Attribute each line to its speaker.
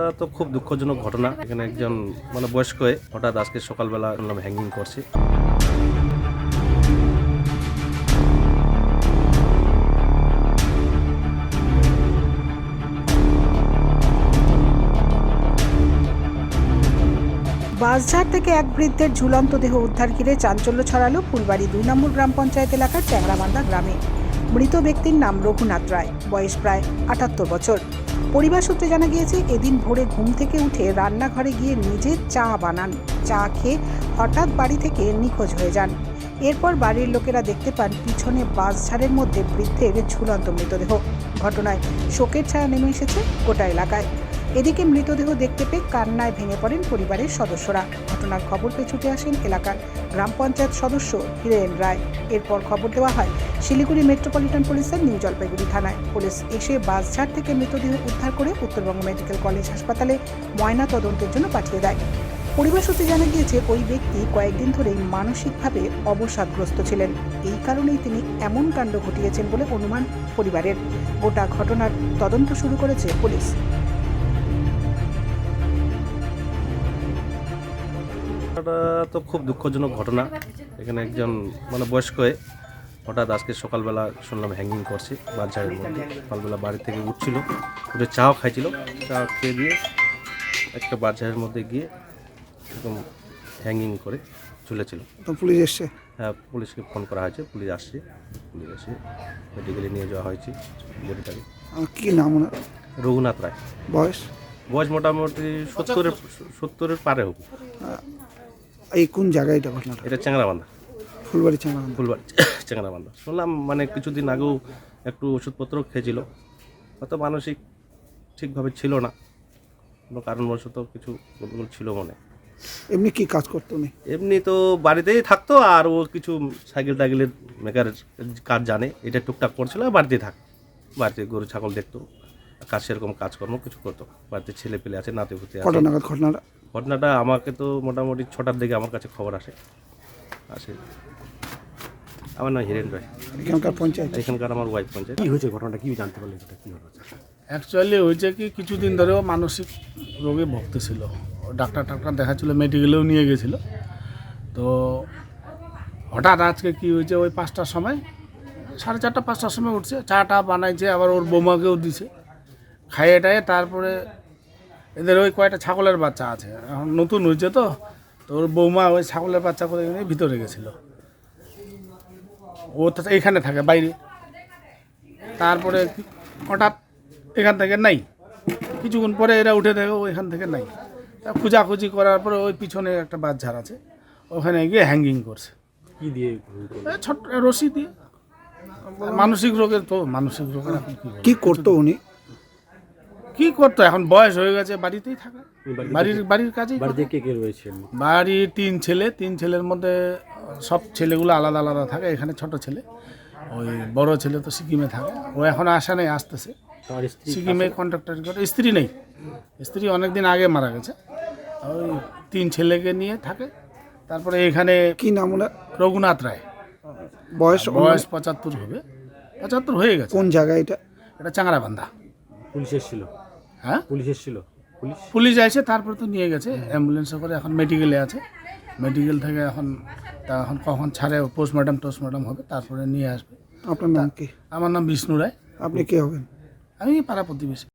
Speaker 1: তো খুব দুঃখজনক ঘটনা। এখানে একজন বয়স্ক হঠাৎ আজকে সকালবেলা শুনলাম হ্যাঙ্গিং করছে।
Speaker 2: বাঁশঝাড় থেকে এক বৃদ্ধের ঝুলন্ত দেহ উদ্ধার ঘিরে চাঞ্চল্য ছড়ালো ফুলবাড়ি ২ নম্বর গ্রাম পঞ্চায়েত এলাকার চ্যাংরাবান্ধা গ্রামে। মৃত ব্যক্তির নাম রঘুনাথ রায়, বয়স প্রায় ৭৮ বছর। পরিবার সূত্রে জানা গিয়েছে, এদিন ভোরে ঘুম থেকে উঠে রান্নাঘরে গিয়ে নিজে চা বানান। চা খেয়ে হঠাৎ বাড়ি থেকে নিখোঁজ হয়ে যান। এরপর বাড়ির লোকেরা দেখতে পান পিছনে বাঁশঝাড়ের মধ্যে বৃদ্ধের ঝুলন্ত মৃতদেহ। ঘটনায় শোকের ছায়া নেমে এসেছে গোটা এলাকায়। এদিকে মৃতদেহ দেখতে পেয়ে কান্নায় ভেঙে পড়েন পরিবারের সদস্যরা। ঘটনার খবর পেয়ে ছুটে আসেন এলাকার গ্রাম পঞ্চায়েত সদস্য হীরেন রায়। এরপর খবর দেওয়া হয় শিলিগুড়ি মেট্রোপলিটন পুলিশের নিউ জলপাইগুড়ি থানায়। পুলিশ এসে বাঁশঝাড় থেকে মৃতদেহ উদ্ধার করে উত্তরবঙ্গ মেডিকেল কলেজ হাসপাতালে ময়না তদন্তের জন্য পাঠিয়ে দেয়। পরিবার সূত্রে জানা গিয়েছে, ওই ব্যক্তি কয়েকদিন ধরেই মানসিকভাবে অবসাদগ্রস্ত ছিলেন। এই কারণেই তিনি এমন কাণ্ড ঘটিয়েছেন বলে অনুমান পরিবারের। গোটা ঘটনার তদন্ত শুরু করেছে পুলিশ।
Speaker 1: এটা তো খুব দুঃখজনক ঘটনা। এখানে একজন বয়স্ক হঠাৎ আজকে সকালবেলা শুনলাম হ্যাঙ্গিং করছে বাঁশঝাড়ের মধ্যে। সকালবেলা বাড়ি থেকে উঠছিল, উঠে চাও খাইছিল, চা খেয়ে দিয়ে একটা বাঁশঝাড়ের মধ্যে গিয়ে এরকম হ্যাঙ্গিং করে ঝুলেছিল।
Speaker 3: তো পুলিশ এসছে?
Speaker 1: হ্যাঁ, পুলিশকে ফোন করা হয়েছে, পুলিশ আসছে। পুলিশ এসে মেডিকেলে নিয়ে যাওয়া হয়েছে বডিটাকে।
Speaker 3: কি নাম ওনার?
Speaker 1: রঘুনাথ রায়।
Speaker 3: বয়স?
Speaker 1: বয়স মোটামুটি 70-এর পারে হোক।
Speaker 3: এই কোন জায়গায় এটা ঘটনাটা?
Speaker 1: এটা চ্যাংরাবান্ধা,
Speaker 3: ফুলবাড়ি চ্যাংরাবান্ধা।
Speaker 1: ফুলবাড়ি চ্যাংরাবান্ধা। শুনলাম কিছুদিন আগেও একটু ওষুধপত্র খেয়েছিল, হয়তো মানসিক ঠিকভাবে ছিল না, কোনো কারণবশত কিছু গন্ডগোল ছিল মনে।
Speaker 3: এমনি কি কাজ করতো উনি?
Speaker 1: এমনি তো বাড়িতেই থাকতো, আর ও কিছু সাইকেল টাইকেলের মেকারের কাজ জানে, এটা টুকটাক করছিল। বাড়িতেই থাক, বাড়িতে গরু ছাগল দেখতো, কাজ সেরকম কাজকর্ম কিছু করতো। বাড়িতে ছেলে পেলে আছে, নাতি পুতি আছে।
Speaker 3: কটা নাগাদ ঘটনাটা?
Speaker 1: ঘটনাটা আমাকে তো মোটামুটি 6টার দিকে আমার কাছে খবর আসে। আমার নাম হীরেন রায়।
Speaker 3: এখানকার পঞ্চায়েত?
Speaker 1: এখানকার আমার ওয়াইফ পঞ্চায়েত।
Speaker 4: কি হয়েছে ঘটনাটা, কি জানতে পারলেন? এটা কি হয়েছে?
Speaker 5: অ্যাকচুয়ালি হয়েছে কি, কিছুদিন ধরেও মানসিক রোগে ভুগতেছিল। ডাক্তার দেখাচ্ছিল, মেডিকেলেও নিয়ে গেছিলো। তো হঠাৎ আজকে কি হয়েছে, ওই 5টার সময়, 4:30 5টার সময় উঠছে, চাটা বানাইছে, আবার ওর বৌমাকেও দিছে। খাইয়ে টাইয়ে তারপরে এদের ওই কয়েকটা ছাগলের বাচ্চা আছে, এখন নতুন হয়েছে তো ওর বৌমা ওই ছাগলের বাচ্চা করে নিয়ে ভিতরে গেছিলো। ও তো এইখানে থাকে বাইরে। তারপরে হঠাৎ এখান থেকে নাই, কিছুক্ষণ পরে এরা উঠে দেখে ওইখান থেকে নাই। তা খোঁজাখুঁজি করার পরে ওই পিছনে একটা বাঁশঝাড় আছে, ওখানে গিয়ে হ্যাঙ্গিং করছে।
Speaker 4: কি দিয়ে?
Speaker 5: ছোট্ট রশি দিয়ে। মানসিক রোগের তো, মানসিক রোগের এখন
Speaker 3: কি করতো উনি?
Speaker 5: কি করতো, এখন বয়স হয়ে গেছে, বাড়িতেই থাকে, বাড়ির কাজেই।
Speaker 4: বাড়িতে কে কে রয়েছে?
Speaker 5: বাড়ির 3 ছেলে, 3 ছেলের মধ্যে সব ছেলেগুলো আলাদা আলাদা থাকে। এখানে ছোট ছেলে, ওই বড় ছেলে তো সিকিমে থাকে, ও এখন আসা নেই, আসতেছে। সিকিমে কন্ট্রাক্টর করে। স্ত্রী নেই, স্ত্রী অনেকদিন আগে মারা গেছে। ওই 3 ছেলেকে নিয়ে থাকে। তারপরে এখানে
Speaker 3: কি নাম ওনার?
Speaker 5: রঘুনাথ রায়।
Speaker 3: বয়স?
Speaker 5: 75 হবে, 75 হয়ে গেছে।
Speaker 3: কোন জায়গায় এটা?
Speaker 5: এটা চ্যাংরাবান্ধা।
Speaker 4: পুলিশ এসেছিল?
Speaker 5: হ্যাঁ,
Speaker 4: পুলিশ এসেছিল।
Speaker 5: পুলিশ এসে তারপরে তো নিয়ে গেছে অ্যাম্বুলেন্সে করে, এখন মেডিকেলে আছে। মেডিকেল থেকে এখন কখন ছাড়ে, পোস্টমর্টম হবে, তারপরে নিয়ে আসবে।
Speaker 3: আপনার নাম কি?
Speaker 5: আমার নাম বিষ্ণু রায়।
Speaker 3: আপনি কে হবেন?
Speaker 5: আমি পাড়া প্রতিবেশী।